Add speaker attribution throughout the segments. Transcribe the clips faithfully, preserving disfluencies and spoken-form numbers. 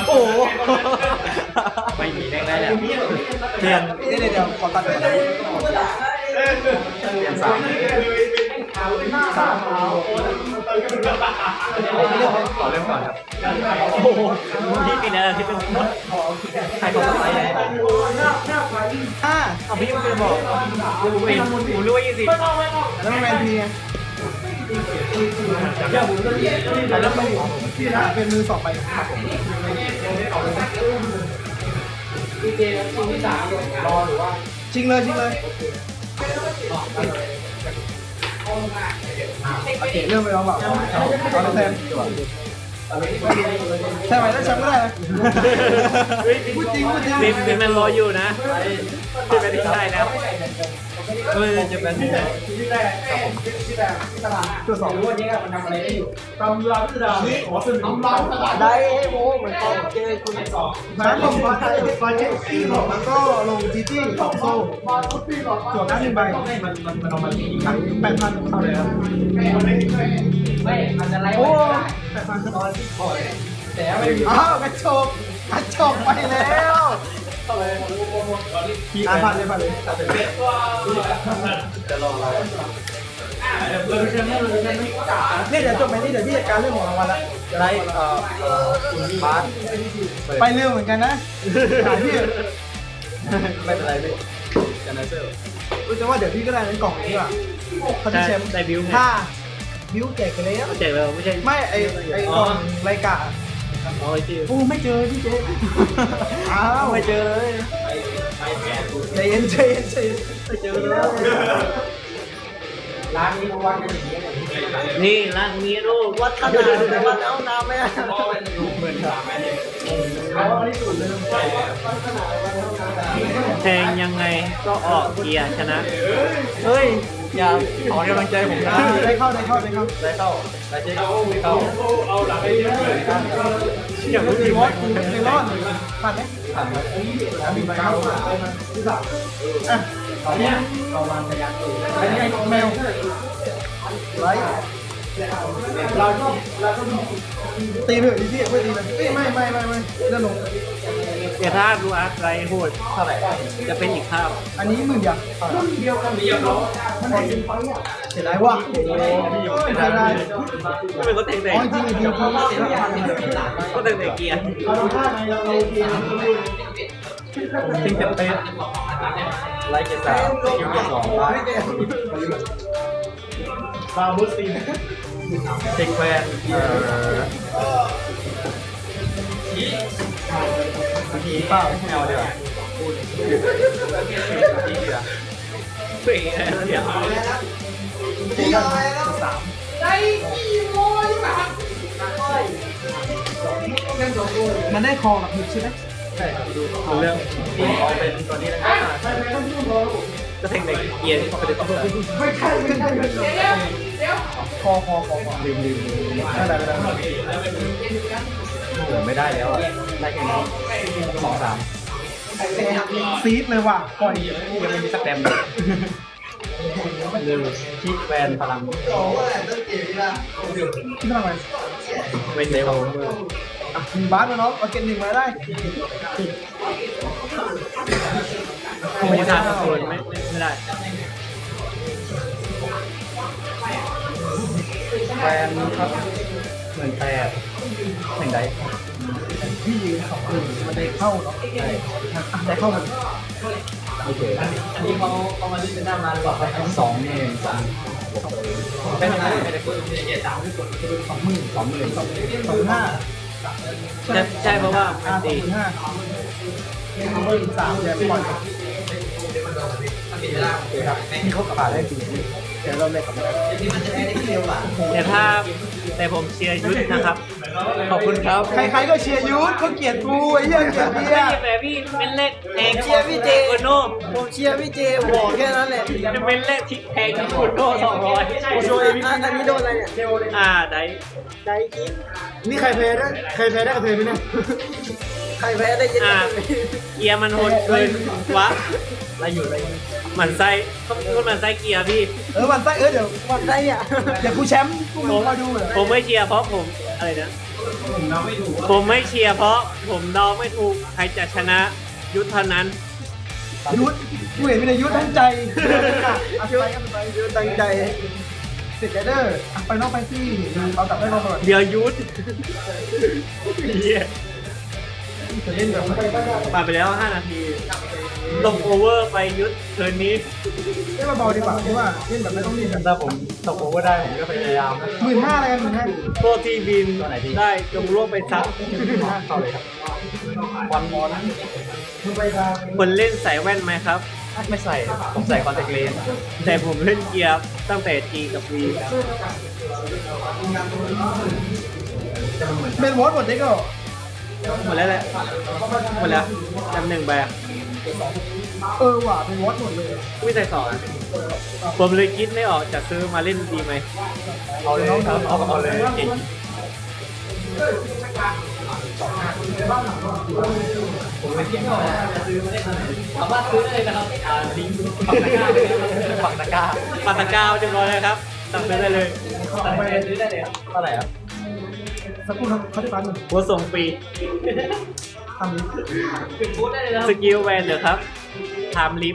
Speaker 1: โอ้โห
Speaker 2: ไม่มีได้ได้แล้ว
Speaker 1: เปลี่ยนเดี๋ยวเดี๋ยวขอตัดก่อนนะ
Speaker 2: เปลี่ยนสาม
Speaker 1: สาม
Speaker 2: ต่อเริ่มก่อนครับ
Speaker 1: โอ้โห
Speaker 3: พี่ปีนั้นที่เป็น
Speaker 2: ใครเขาไปไหน
Speaker 1: ห้าเอาพี่มันเป็นบอก
Speaker 3: เป็นผมรู้ว่ายี่สิบ
Speaker 1: แล้วมันแมนทีไงแล้วมันเป็นมือสองไปครับผมจริงเลยจริงเลยโอเคเริ่มไปแล้วเปล่าเอาแทนใช่ไหมถ้าแชมป์ก็ได้นะพูดจริงพูดจริง
Speaker 3: เป็นเป็นแมนรออยู่นะเป็นแมนที่ใช่แล้ว
Speaker 2: เออจะเป็น
Speaker 1: ตัวสอง
Speaker 4: ได้ให้โม้เหมือนตอนเจอคุณสอง
Speaker 1: แล้วลงมาฟาเจสซี่หลอกแล้วก็ลงจีจี้สองโซ่จวดหน้าหนึ่งใบมันมันมันเอามาทั้งแปดพันเท่าเลยครับ
Speaker 4: ไม่มันจะไล่
Speaker 1: โอ้
Speaker 4: ไม่ได้
Speaker 1: แปดพัน
Speaker 4: ตอนที่ก่อนแต่ไม่
Speaker 1: อ้าวกระโจกกระโจกไปแล้วอ่าผ่านเลยผ่านเลย
Speaker 2: จะลองอะไร
Speaker 1: เนี่ยเดี๋ยวจบไปนี่เดี๋ยวพี่จัดการเรื่องของรางวัลละ
Speaker 2: ไลท์เอ่อบาส
Speaker 1: ไปเร็วเหมือนกันนะหาพี่
Speaker 2: ไม่เป็นไรพี่จะนัเซอร์
Speaker 1: รู้จักว่าเดี๋ยวพี่ก็ได้ในกล่องนี้ว่ะเขาจะแชมป์
Speaker 3: ได้บิวไง
Speaker 1: ถ้าบิวแจกไปแล้ว
Speaker 3: แจกแล้วไม่ใช่
Speaker 1: ไม่ไอไอกล่องรายการ
Speaker 3: อ๋อไอ้ที่
Speaker 1: โอ้ไม่เจอพี่เจอ้าวไม่เจอเลยใจเย็นใจเย็นใจเย็นไม่เจอเลย
Speaker 4: ร้านนี้เขาวัดกันอย่างนี้เลย
Speaker 3: นี่ร้านนี้รูป
Speaker 4: วัดขนาดแต่วัดเอาน้ำไม่ได้
Speaker 3: แทงยังไงก็ออกเกียร์ชนะ
Speaker 1: เฮ้ย
Speaker 2: อย่าขอกำลังใจผมนะ
Speaker 1: ได้เข้าได้เข้าได้เข้า
Speaker 2: ได้เข้าได้เจ๊เข้า
Speaker 3: อย่างรู้
Speaker 1: ดี
Speaker 3: ดี
Speaker 1: มอ
Speaker 3: ว่า
Speaker 1: สเมลอนผ่านไหม
Speaker 2: ผ่านครับ
Speaker 1: มีเก้าอ่ะ
Speaker 4: ตอนนี้เราวางพยานอยู่
Speaker 1: อันนี้แมวไลท์เราก็เราก็ตีไปเถอะพี่ไม่ตีเลยไม่ไม่ไม่ไม่เลื่อนลง
Speaker 3: เดี๋ยวถ้าดูอาร์ตไรโหด
Speaker 2: เท่าไหร่
Speaker 3: จะเป็นอีกภาพ
Speaker 1: อันนี้หมื่นอย่างรุ่นเดียวกันเดียวมันพอจริงไปอ่ะเสียดายว่ะเสียดาย
Speaker 3: ก็เป็นก็เตะเตะ
Speaker 1: อ๋อจริงจริงจริง
Speaker 3: ก็เตะเตะเกียร์
Speaker 1: เราทำท่าไงเราเราเกียร์
Speaker 2: ซิงเกิลเตสไลท์เกสามสกิลเกสองไลท์
Speaker 1: บาบูสตีน
Speaker 2: เทคแวนเอ่อทีเปล่าไม่เอาเดี๋ยวทีเดียว
Speaker 3: เป๋เดี๋ยว
Speaker 1: ที่อะไรแล้วสาม
Speaker 4: ได้กี่โมงแบบ
Speaker 1: มันได้คอกับหมึกใช่ไหม
Speaker 2: ใช่ครับดูเรื่องทีเอาเป็นตัวนี้นะครับ
Speaker 3: ก็เตะเตะเกียร์
Speaker 2: เขาไปดูต่อไป
Speaker 1: ไม่ใช่ไม่ใช่ไม่ใช่คอคอคอคอ
Speaker 2: ลืมลืม
Speaker 1: ไม่ได้ไม่ได้
Speaker 2: เหลือไม่ได้แล้วอ่ะได้แค่นี้สองสาม
Speaker 1: ซีดเลยว่ะปล่อย
Speaker 2: ยังไม่มีสักแต้มเลยลืมที่แวนพลัง
Speaker 1: ที่ทำไม
Speaker 2: เวนเร็ว
Speaker 1: มีบาสมาเนาะเอาเกนหนึ่งมาได้
Speaker 3: ไม่ได้สักคนไม่ไม่ได้
Speaker 2: แวนครับเหมือนแปดหนึ่งได
Speaker 1: พี่ยืนสองหนึ่งมันได้เข้าเนาะได้เข้ามัน
Speaker 2: โอเค
Speaker 4: อันนี้เขาเขามาเล่นเป็นหน้ามาหรือเปล่า
Speaker 2: สองเนี่ยสามไม่ได้ไม่ได้พูด
Speaker 1: สองหมื่น
Speaker 2: สองหมื่น
Speaker 1: สองห้า
Speaker 3: ใช่เพราะว่า
Speaker 1: อ่าสองหมื่นห้าเบอร์สามเดี๋ยวปล่อย
Speaker 2: มีเขากระบาดได้จริง
Speaker 1: เดี๋ยวเราเล่นกับมัน
Speaker 4: ที่มันจะได้ที่เร็วกว่า
Speaker 3: แต่ถ้าแต่ผมเชียร์ยุทธนะครับ
Speaker 2: ขอบคุณครับ
Speaker 1: ใครๆก็เชียร์ยูทเขาเกลียดกูไอ้เหี้ยเกลียดเบีย
Speaker 3: ไม่
Speaker 1: ร์
Speaker 3: แต่พี่เป็นเลขแพง
Speaker 4: เชียร์พี่เจ
Speaker 3: โอโน่
Speaker 4: ผมเชียร์พี่เจบอกแค่นั้นแหละ
Speaker 3: จะเป็นเลขที่แพงที่สุดโน่สองร้อย
Speaker 4: อันนี้โดนอะไรเนี่ย
Speaker 3: อ่าได้
Speaker 4: ได้กิน
Speaker 1: นี่ใครแพ้ได้ใครแพ้ได้กับเพลไหมเนี่ย
Speaker 4: ใครแพ้ได้ยิน
Speaker 3: อ่าเกียร์มันโหดเกินวะ
Speaker 2: ไล่อยู่ไล่
Speaker 3: หมันไส้ก็ก็หมันไส้เกียร์พี่
Speaker 1: เออวันไส้เออเดี๋ยว
Speaker 4: วันได้อ่ะ
Speaker 1: เดี๋ยวกูแชมป์กูมึงมาดูเหรอ
Speaker 3: ผมไม่เชียร์เพราะผมอะไรนะผมไม่เชียร์เพราะผมเดาไม่ถูกใครจะชนะยุทธเท่านั้น
Speaker 1: ยุทธกูเห็นมีแต่ยุทธตั้งใจอ่ะยุทธไปยุทธตั้งใจเสร็จเดอร์ไปนอกไปที่เราจับได้เราก่อน
Speaker 3: เดี๋ยวยุทธเหี้ย
Speaker 1: จะเล่นแบบ
Speaker 3: ผ่านไปแล้วห้านาทีลงโอเวอร์ไปยุทธเทิร์นนี้
Speaker 1: เล่นเบาๆดีกว่าเพราะว่าเล่นแบบไม่ต้องรีบกัน
Speaker 2: ถ้าผมตกโอเวอร์ได้ผมก็พยายามนะ
Speaker 1: หมื่นห้าอะไรกันหมื่นห้า
Speaker 3: พวกที่บินได้จงร่วมไปซัก
Speaker 2: เข้าเลยครับวันมอน
Speaker 3: คนเล่นใส่แว่นไหมครับ
Speaker 2: ไม่ใส่ผมใส่คอนแทคเลนส์
Speaker 3: แต่ผมเล่นเกียร์ตั้งแต่ G กับ V
Speaker 1: เป็นวอตหมดเด็กก็
Speaker 3: หมดแล้วแหละหมดแล้วจำหนึ่งแบบ
Speaker 1: เออว่ะเป็นวอตหมดเลย
Speaker 3: ไม่ใส่สองผมเลยคิดไม่ออกจะซื้อมาเล่นดีไหม
Speaker 2: เอาเลยครับเอาเอาเลยเก่งผมไม่เก่งจะซื้อมาได้สามารถซื้อได้เลยนะครับอ่าลิงก์ปักตะกร้าปักตะกร้า
Speaker 3: ปาตะกาวเรียบร้อยแล้วครับสั่งซื้อได้เลย
Speaker 2: สั่งไปซื้อได้เลยครับเท่าไหร่ครับ
Speaker 1: สักครู่ครับเขาได้ปันหนึ่ง
Speaker 3: หัวส่งฟรี
Speaker 1: ทำนี้
Speaker 3: สกิลแวนเดี๋ยวครับไทม์ลิฟ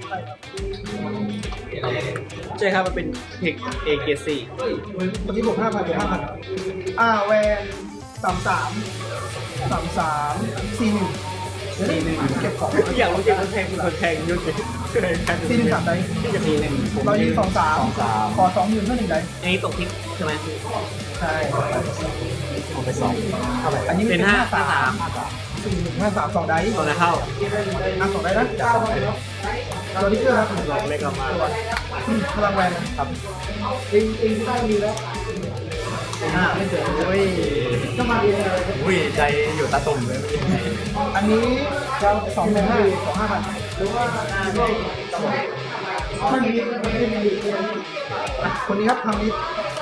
Speaker 3: ใช่ครับมันเป็นเทคเอเกสี่
Speaker 1: ตอนนี้บวกห้าพันบวกห้าพันอ่าแวนสามสามสามสามสี่หนึ่งสี่หนึ่งเก็บของ
Speaker 3: อยากรู้จักคนแทงคนแทงยุ่งเลย
Speaker 1: สี่หนึ่งสามได้
Speaker 2: ทีหนึ่งผม
Speaker 1: เรายิงสองสาม
Speaker 2: สองสาม
Speaker 1: ขอสองหมื่นเพื่อหนึ่งได้
Speaker 3: อันนี้ตกทิกใช่ไหม
Speaker 1: ใช่
Speaker 2: ผมไปสองเท่าไหร่
Speaker 1: อันนี้
Speaker 3: เป็นห้าห้าสาม
Speaker 1: สี่หนึ่งห้าสามสองได้
Speaker 3: ตอนนั้นเข้า
Speaker 1: อ่ะสองได้นะตัวนี้เกอร์ครับ
Speaker 3: ลองเล็กออกมา
Speaker 1: พลังแวนครับติงติงได้ดีแล้วอ่าไม่เจอโอ้ยก็มาเองเลย
Speaker 2: อุ้ยใจอยู่ตาตุ่มเลย
Speaker 1: อันนี้จะสองหนึ่งห้าสองห้าพันคนนี้ครับทำนี้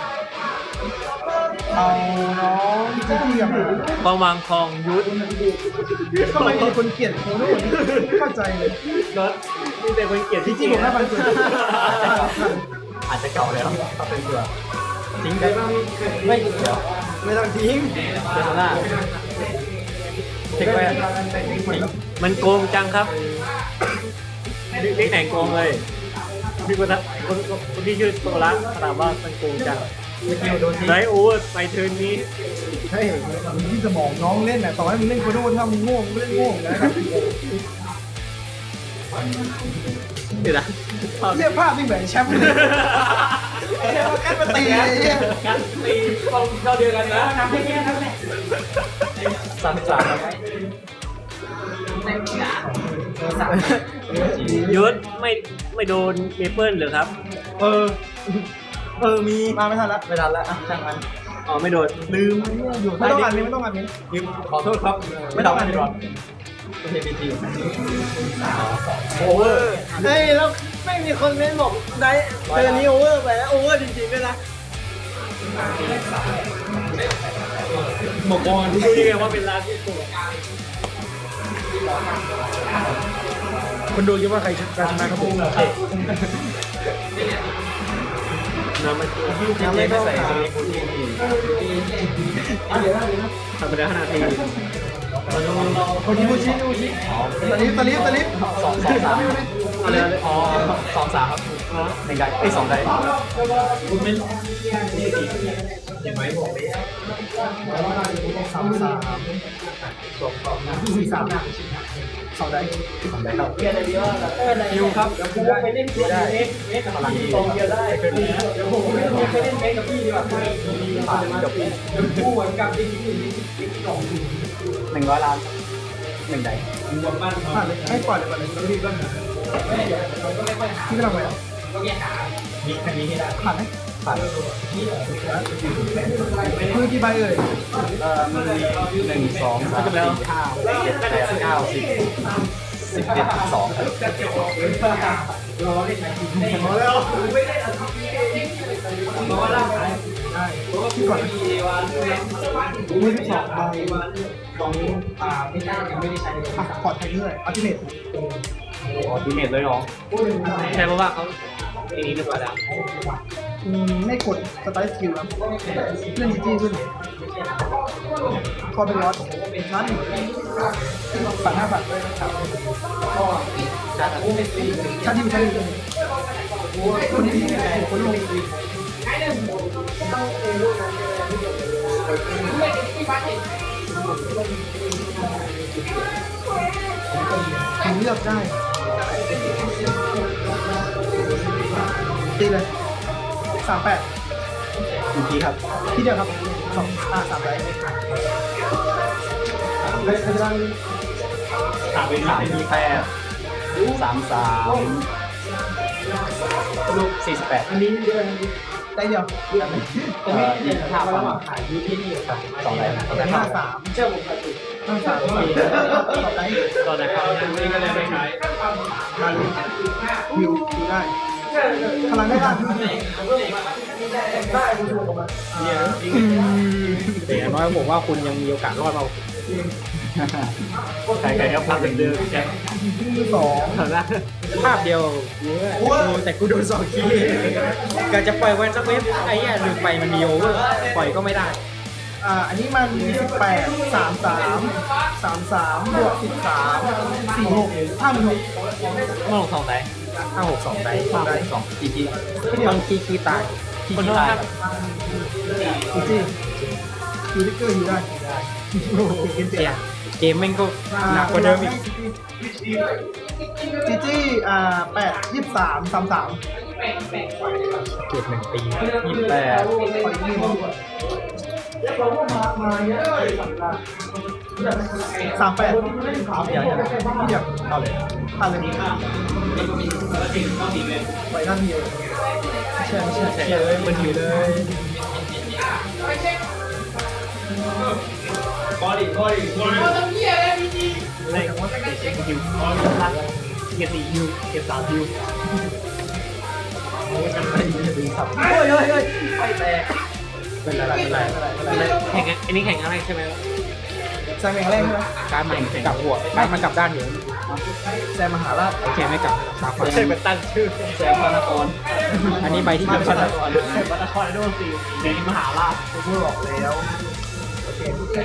Speaker 1: เอาน้องจีจี้กับ
Speaker 3: กองวางคองยุทธ
Speaker 1: ทำไมมีคนเกลียดโคโน่ไม่เข้าใจเลย
Speaker 3: รถมีแต่คนเกลียด
Speaker 1: จี
Speaker 3: ที่
Speaker 1: จี้ผมห้าพันเกิน
Speaker 2: อาจจะเก่าแล้วถ้าเป็นเสือทิ้งได้บ้างไม่เดี๋ยว
Speaker 1: ไม่ต้องทิ้ง
Speaker 2: เจสน่าทิ้งไป
Speaker 3: มันโกงจังครับเด็กไหนโกงเลยพี่คนนั้นคนคนที่ชื่อโซล่าถามว่ามันโกงจัง
Speaker 2: สกิลโดนทิ้ง
Speaker 3: ไรโอเวอร์ไปเทิร์นนี้
Speaker 1: เฮ้ยที่สมองน้องเล่นน่ะต่อให้มึงเล่นโคโน่ถ้ามึงโง่มึงเล่นโง่นะครับ
Speaker 3: เดี๋ยวนะ
Speaker 1: เรียกภาพนี่เหมือนแชมป์เลยเรียกว่าแค่มาตีเลยเนี่ย
Speaker 3: กันตีกองเท่าเดียวกันนะ
Speaker 2: สามสาม
Speaker 3: ยุทธไม่ไม่โดนเมเปิลเหรอครับ
Speaker 1: เออ เออ มีมาไม่ทันละ
Speaker 2: ไม่ทันแล้วอ่ะช่างมัน
Speaker 3: อ๋อไม่โดนลืม
Speaker 1: อยู่ไม่ต้องอ่านนี้ไม่ต้องอ่านนี้
Speaker 2: ยืมขอโทษครับไม่ต้องไม่รอดโอเคพีทีโอเวอร์
Speaker 4: เฮ้ยแล้วไม่มีคนเล่นบอกได้เดือนนี้โอเวอร์ไปแล้วโอเวอร์จริงๆด้วยนะ
Speaker 3: หมกบอลรู้ยังไงว่าเป็นร้านที่ตัว
Speaker 1: คนดูคิดว่าใครชนะครับผม
Speaker 3: น้ำมัน
Speaker 2: ยังไม่ใส่สลิปทีที
Speaker 3: ทำไปแล้วห้านาที
Speaker 1: คนที่มูชิมูชิสลิปสลิปสลิป
Speaker 2: สองสองสามอ๋อสองสามครับหนึ่งได้ไอ้สองได้คุณไม่เห็นไหมบอกเลย
Speaker 1: สามสามสี่สามสองได้
Speaker 2: สองได้ครับ
Speaker 1: ยูครับ
Speaker 4: ไปเล่นเกมเอ็กเอ็ก
Speaker 2: พลังดี
Speaker 4: กองเดียวได้เดี๋ยวผมไปเล่นเอ็กกับพี่ดีกว่า
Speaker 2: ผ่านจบ
Speaker 4: คู่เหมือนกับที่
Speaker 2: หนึ่งร้อยล้านหนึ่งได้
Speaker 1: ผ่านเลยให้ปล่อยเลยก่อนเลยพี่ก็ที่กำลังไป
Speaker 2: มีแค่นี้ให้ได้
Speaker 1: ผ่านไหม
Speaker 2: ผ่าน
Speaker 1: มือกี่ใบเอ่ย
Speaker 2: เอ่อมันมีหนึ่งสองสามสี่ห้าหกเจ็ดแปดเก้าสิบสิบเอ็ดสอง
Speaker 1: พอแล้วได้ที่ก่อนมือที่สองใบสองอ่าไม่ได้ยังไม่ได้ใช้อ่ะขอไทยด้วยอัลติเมท
Speaker 2: อ๋อดีเมทเลยเหรอ
Speaker 3: ใช่เพราะว่าเขาทีนี้ดีกว่าแล้ว
Speaker 1: อืมไม่กดสไตล์สกิลแล้วเล่นจีจี้ขึ้นคอเป็นร้อนชั้นฝั่งหน้าฝั่งด้วยนะครับชั้นที่ชั้นที่คนที่คนลงผมเลือกได้ตีเลยสามแปด
Speaker 2: อีกทีครับ
Speaker 1: ที่เดียวครับสองอ่าสามไรเลยพลัง
Speaker 2: สามสามมีแปดสามสามลูกสี่สิบแปด
Speaker 1: อันนี้เดียวได้เดียว
Speaker 2: เอ่อยี่สิบห้าพันขายอยู่ที่นี่ครับสองไรสองไร
Speaker 1: ห้า
Speaker 2: ห้า
Speaker 1: สามเชื่อผมห้าสามสองไร
Speaker 3: ตอนนะครับนี่ก็เลยไม่ใช้
Speaker 1: มาเลยวิวดูได้พลังได้บ้าง
Speaker 3: แต่อย่างน้อยผมว่าคุณยังมีโอกาสรอดมา
Speaker 2: ใครใครครับพักเป็นเดิมแจ็ค
Speaker 1: สอง
Speaker 3: ภาพเดียวแต่กูโดนสองคีก็จะปล่อยวันสักเว็บไอ้เนี่ยลืมไปมันมีโอเวอร์ปล่อยก็ไม่ได้
Speaker 1: อ่าอันนี้มันสิบแปดสามสามสามสามบวกสิบสามสี่หกห้าหนึ่งหก
Speaker 3: เมื่อลงสองไดห้าหกสองได
Speaker 2: ห้าสองจีจี
Speaker 3: ต้องคีคีตาย
Speaker 2: ที่ที่ตาย
Speaker 1: จริงๆยูริเกอร์อยู่ได้
Speaker 3: เสียเกมแม่งก็หนักกว่าเดิมอีก
Speaker 1: จีจี้อ่าแปดยี่สิบสามสามสาม
Speaker 3: เกมหนึ่งปี
Speaker 2: ยี่สิบแปด
Speaker 1: ขออีกหนึ่งสามแปดเดี๋ยวเดี๋ยวเดี๋ยวเอาเลยเอาเลยไปหน้าที่เลยเชื่อไม่เชื่อ
Speaker 3: เชื่อเลยมันอยู่เลย
Speaker 2: บอดี้บอดี้บอดี้
Speaker 3: เล่นว่าเช็คคิวเกียร์สี่คิวเกียร์สามคิว
Speaker 1: โอ้ยเฮ้ยเฮ้ยไฟแตก
Speaker 3: เป็นอะไรเป็นอะไรแข่งอันนี้แข่งอะไรใช่ไหม
Speaker 1: แซงแข่งแรกใช่ไหม
Speaker 3: การมันกลับหัวการมันกลับด้านอยู่
Speaker 1: แซงมหาราช
Speaker 3: โอเคไม่กลับตาขวาใช่เป็นตั้งชื่อ
Speaker 2: แซมพานากร
Speaker 3: อันนี้ใบที่เกี่ยวกับ
Speaker 2: วัตครโดนสี่ในมหาราช
Speaker 1: พูดบอกแล้วโอเค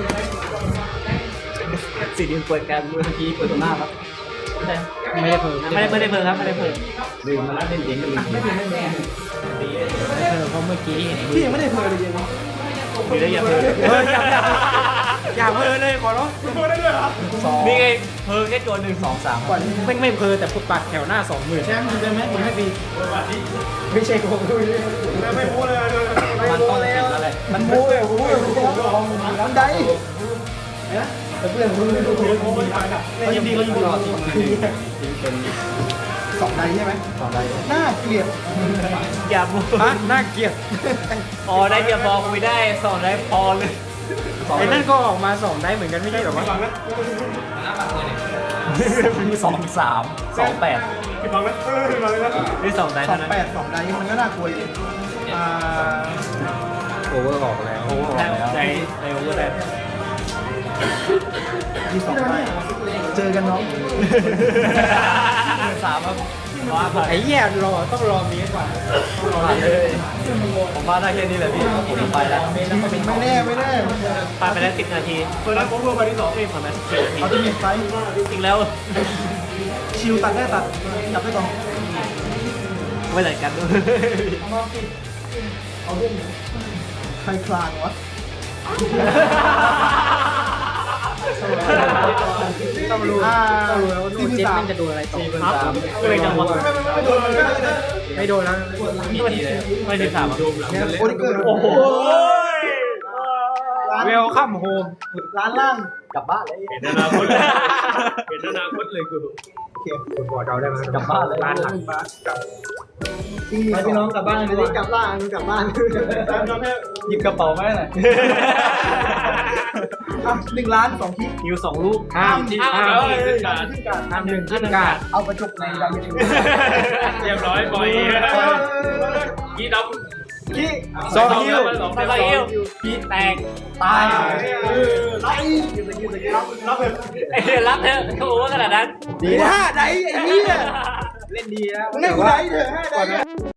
Speaker 2: สีดินเปิดการเมื่อกี้เปิดตัวหน้าครับ
Speaker 3: ไม่ได้เพิ่มไม่ได้ไม่ได้เพิ่มครับไม่ได้เพิ่ม
Speaker 2: ลืมมาแล้วเล่นเองก็ลืม
Speaker 1: ไม่เป็นไม่เป็น
Speaker 3: เพิ่มเพราะเมื่อกี้เห็น
Speaker 1: พี่ยังไม่ได้เพลเลยยัง
Speaker 2: มีได้ยังเพิ่ม
Speaker 3: เฮ้ยอย่าอย่าอย่าเพิ่มเลยขอร้อง
Speaker 2: สอง
Speaker 3: นี่ไงเพิ่มแค่ตัวหนึ่ง
Speaker 2: สองสาม
Speaker 1: ก่อน
Speaker 3: ไม่ไม่เพิ่มแต่พุทปัดแถวหน้าสองหมื่น
Speaker 1: แชมป์ได้ไหมผมให้ฟรีไม่ใช่โกงด้วยไม่พูดเลย
Speaker 2: มันต้นติดอะไร
Speaker 1: มันพูดเลยพูดเลยน้ำได้แต่เพื่อนพูดเลยเขายินดีเขายินดี
Speaker 2: รอทีมเป็น
Speaker 1: สองใดใช่ไหม
Speaker 2: สองได้
Speaker 1: น่าเกลียด
Speaker 3: อย่าพูดน่าเกลียดอ๋อได้เดียวพอคุยได้สองได้พอเลยไอ้นั่นก็ออกมาสองได้เหมือนกันไม่ใช่หรอวะ
Speaker 2: สองสามสองแปด
Speaker 3: นี่สองได้
Speaker 1: สอ
Speaker 3: เท่าง นั้น
Speaker 1: แปดสองใดมันก็น่ากลัวอยู่อ่า
Speaker 3: โอเวอร์ออกแล้วโอเวอร์ออกแล้วในในโอเวอร์แล้ว
Speaker 1: ที่สองใดเจอกันน้อง
Speaker 2: สามครับว่าผ่าน
Speaker 3: ไอ้แย่รอต้องรอมีก่อน
Speaker 2: ผ่านเลยผมว่าได้แค่นี้แหละพี่ผมไปแล้ว
Speaker 1: ไม่แน่ไม่แน่
Speaker 3: ผ่านไปแล้วสิบนาทีเปิดแล้วผมเพิ่มไปที่สองเองผ่านไปสิบนาที
Speaker 1: เขาจะมีไฟ
Speaker 3: จริงแล้ว
Speaker 1: ชิวตัดได้ตัดจับได้ก่อน
Speaker 3: ไม่เหมือนกัน
Speaker 1: ใครคลานวะ
Speaker 3: ต้องรู้
Speaker 1: อ่า
Speaker 3: ต้องรู้แล้วว่าโดนเจ็ตมันจะโดนอะไรต่อครับก็เลยจังหวะ
Speaker 1: ไม่โดนไม่โดน
Speaker 3: ไม่โดนแล้วไม่ถึงสาม
Speaker 1: โอ้ยเกิด
Speaker 3: โอ้โห
Speaker 1: ร้าน
Speaker 3: เวลคัมโฮม
Speaker 1: ร้านล่าง
Speaker 2: กลับบ้านเลย
Speaker 3: เห็นอนาคตเห็นอนาคตเลยกู
Speaker 1: โอเค
Speaker 3: คุณบอกเราได้ไหม
Speaker 2: กลับบ้านเลย
Speaker 3: ร้านหลัง
Speaker 1: บ้านกลับไปพี่น้องกลับบ้านเลยดีกลับบ้านกลับบ้าน
Speaker 2: หยิบกระเป๋ามาหน่อย
Speaker 1: หนึ่งล้านสองที่
Speaker 3: ฮิวสองลูกห้ามห้ามขึ้นการห้ามหนึ่งขึ้นการ
Speaker 1: เอาไปจบในดาวยูทูบ
Speaker 3: เรียบร้อยบอยยี่ด
Speaker 1: ที่
Speaker 3: ำสองฮิวสองฮิวพี่แตกตาย
Speaker 1: ไล่ยืนยืนยืนรับรับเลย
Speaker 3: รับเถอะเขาบอกว่าขนาดนั้น
Speaker 1: ดีห้าได้ไอ้เหี้ย
Speaker 3: เล่นดีนะ
Speaker 1: เล่นกูได้เถอะห้าได้